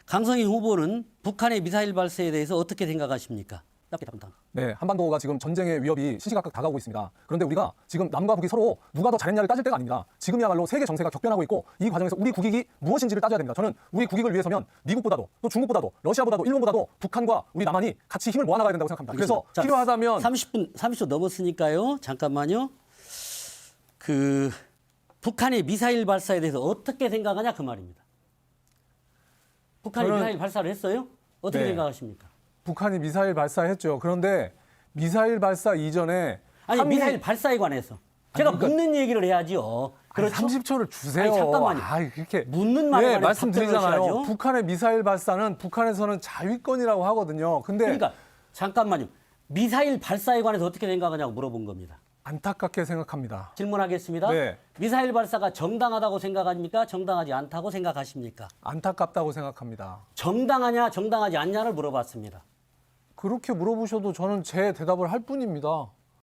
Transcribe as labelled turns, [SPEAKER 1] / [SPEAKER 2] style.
[SPEAKER 1] 강성희 후보는 북한의 미사일 발사에 대해서 어떻게 생각하십니까? 짧게 답변.
[SPEAKER 2] 네, 한반도가 지금 전쟁의 위협이 시시각각 다가오고 있습니다. 그런데 우리가 지금 남과 북이 서로 누가 더 잘했냐를 따질 때가 아닙니다. 지금이야말로 세계 정세가 격변하고 있고 이 과정에서 우리 국익이 무엇인지를 따져야 됩니다. 저는 우리 국익을 위해서면 미국보다도 또 중국보다도 러시아보다도 일본보다도 북한과 우리 남한이 같이 힘을 모아나가야 된다고 생각합니다. 그래서
[SPEAKER 1] 자,
[SPEAKER 2] 필요하다면
[SPEAKER 1] 30초 넘었으니까요. 잠깐만요. 북한의 미사일 발사에 대해서 어떻게 생각하냐 그 말입니다. 북한이
[SPEAKER 2] 저는-
[SPEAKER 1] 미사일 발사를 했어요? 어떻게
[SPEAKER 2] 네.
[SPEAKER 1] 생각하십니까?
[SPEAKER 2] 북한이 미사일 발사했죠. 그런데 미사일 발사 이전에
[SPEAKER 1] 아니 미사일 발사에 관해서 제가
[SPEAKER 2] 그러니까-
[SPEAKER 1] 묻는 얘기를 해야지요. 그렇죠?
[SPEAKER 2] 30초를 주세요.
[SPEAKER 1] 아니, 잠깐만요.
[SPEAKER 2] 그렇게
[SPEAKER 1] 묻는 말에 관해서
[SPEAKER 2] 말씀드리잖아요.
[SPEAKER 1] 답변을 하셔야죠.
[SPEAKER 2] 북한의 미사일 발사는 북한에서는 자위권이라고 하거든요. 근데
[SPEAKER 1] 그러니까 잠깐만요. 미사일 발사에 관해서 어떻게 생각하냐고 물어본 겁니다.
[SPEAKER 2] 안타깝게 생각합니다.
[SPEAKER 1] 질문하겠습니다.
[SPEAKER 2] 네.
[SPEAKER 1] 미사일 발사가 정당하다고 생각합니까? 정당하지 않다고 생각하십니까?
[SPEAKER 2] 안타깝다고 생각합니다.
[SPEAKER 1] 정당하냐 정당하지 않냐를 물어봤습니다.
[SPEAKER 2] 그렇게 물어보셔도 저는 제 대답을 할 뿐입니다.